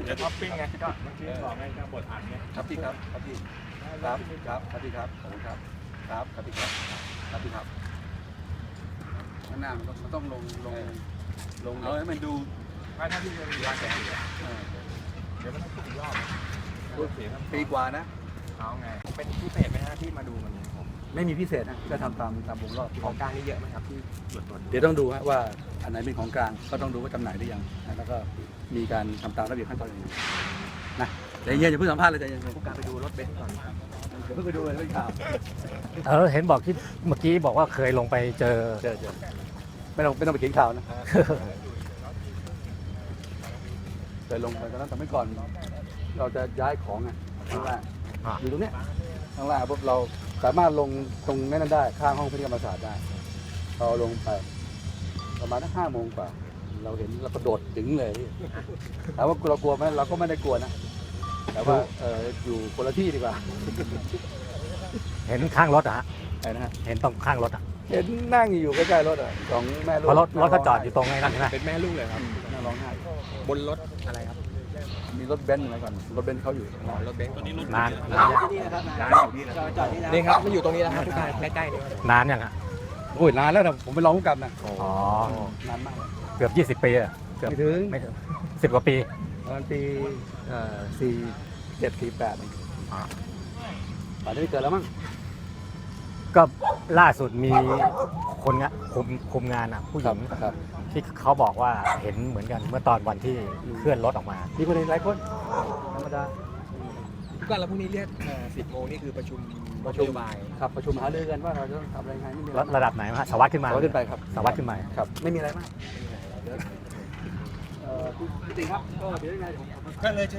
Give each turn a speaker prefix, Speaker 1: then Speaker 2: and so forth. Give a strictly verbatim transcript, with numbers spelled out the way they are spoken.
Speaker 1: ดี๋ยวท็อปปิ้งไงก็เมื่อกี้บอกไงก็บทอ่านไง
Speaker 2: ครับพี่ครับครับพี่ครับครับครับพี่ครับขอบคุณครับครับครับพี่ครับครับพี่ครับข้างหน้ามันต้องมันต้องลงลงลงเอาให้มันดู
Speaker 1: ไม่ถ้าที่จะมีการแข่งขัน
Speaker 2: เออ
Speaker 1: เดี๋ยวมันต้องถูกรอบเสียครับ
Speaker 2: ปีกว่านะ
Speaker 1: เอาไงเป็นพิเศษไหมฮะที่มาดูมันนี้ผม
Speaker 2: ไม่มีพิเศษนะก็ทำตามตามวงรอบ
Speaker 1: ของกลางนี่เยอะไหมครับที่ตรวจตรวจ
Speaker 2: เดี๋ยวต้องดูฮะว่าอันไหนเป็นของกลางก็ต้องดูว่าจำหน่ายหรือยังนะแล้วก็มีการทำตามระเบียบขั้นตอนอย่างไรนะใจเย็นอย่าเพิ่งสัมภาษณ์เลยใจเย็น
Speaker 1: ผู้การไปดูรถเบนซ์ก่อนครับ
Speaker 2: เดี๋ยวเพิ่งไปดูเลยไม่ข่าว
Speaker 3: เออเห็นบอกที่เมื่อกี้บอกว่าเคยลงไปเจอ
Speaker 2: เจอเจอไม่ต้องไม่ต้องไปเขียนข่าวนะเคยลงไปตอนนั้นแต่ไม่ก่อน เราจะย้ายของอ่ะข้างล่างอยู่ตรงเนี้ยข้างล่างปุ๊บเราสามารถลงตรงนั้นได้ข้างห้องพิธีกรรมศาสตร์ได้เราลงไปประมาณห้าโมงกว่าเราเห็นเรากระโดดถึงเลยถามว่าเรากลัวไหมเราก็ไม่ได้กลัวนะแต่ว่าเอออยู่คนละที่ดีกว่า
Speaker 3: เห็นข้างรถอะฮะ
Speaker 2: ไอ้นะฮะ
Speaker 3: เห็นตรงข้างรถอะ
Speaker 2: เห็นนั่งอยู่ใกล้ๆรถอ่ะสองแม่ลูก
Speaker 3: เพราะรถรถก็จอดอยู่ตรงไอ้นั่นใช่ไหม
Speaker 1: เป็นแม่ลูกเลยครับ
Speaker 2: นั่งร้องไห้
Speaker 1: บนรถอะไรครับ
Speaker 2: มีรถเบนซ์อะไรก่อนรถเบนซ์เขาอยู่
Speaker 1: อ๋อรถเบนซ์ตัวนี้รถ
Speaker 3: นาน
Speaker 1: ร้านอยู่นี่นะครับร้านอยู่นี่นะจอดนี่นะนี่ครับมันอยู่ตรงนี้แล้วครับผู้การใกล้ๆนี่
Speaker 3: นานยังฮะ
Speaker 2: โอ้ยนานแล้วนะผมไปร้องผู้กำกับนะ
Speaker 3: อ๋อ
Speaker 2: นานมากเลย
Speaker 3: เกือบยี่สิบปีอะเกือบ
Speaker 2: ไม่ถึง
Speaker 3: ไม่ถึงสิบกว่าปี
Speaker 2: ประมาณปีเอ่อสี่เจ็ดสี่แปดนี่
Speaker 3: อ่า
Speaker 2: ป่านนี้ไม่เกิดแล้วมั้ง
Speaker 3: ก็ล่าสุดมีคนงะคุมคุมงานอะผู้ห
Speaker 2: ครั
Speaker 3: ญิ
Speaker 2: บ
Speaker 3: ง
Speaker 2: ครับ
Speaker 3: ที่เขาบอกว่าเห็นเหมือนกันเมื่อตอนวันที่เคลื่อนรถออกมา
Speaker 2: มีคนเห็นหลายคนธรรมดา
Speaker 1: ผู้การแล้วพรุ่งนี้เรียกสิบโมงนี่คือประชุม
Speaker 2: ประชุม
Speaker 1: นโยบาย
Speaker 2: ครับประชุมหารือกันว่าเราจะต้องทำอะไรยังไงไม่มีอะไร
Speaker 3: ระดับไหนฮะสารวัสดขึ้นมา
Speaker 2: สวัสดีไปครับ
Speaker 3: สารวัสดขึ้นมา
Speaker 2: ครับไม่มีอะไรมากเดี๋ยวเอ่อพี่ติ๋งครับก็เดี๋ยวยังไงผม
Speaker 1: ก็เลย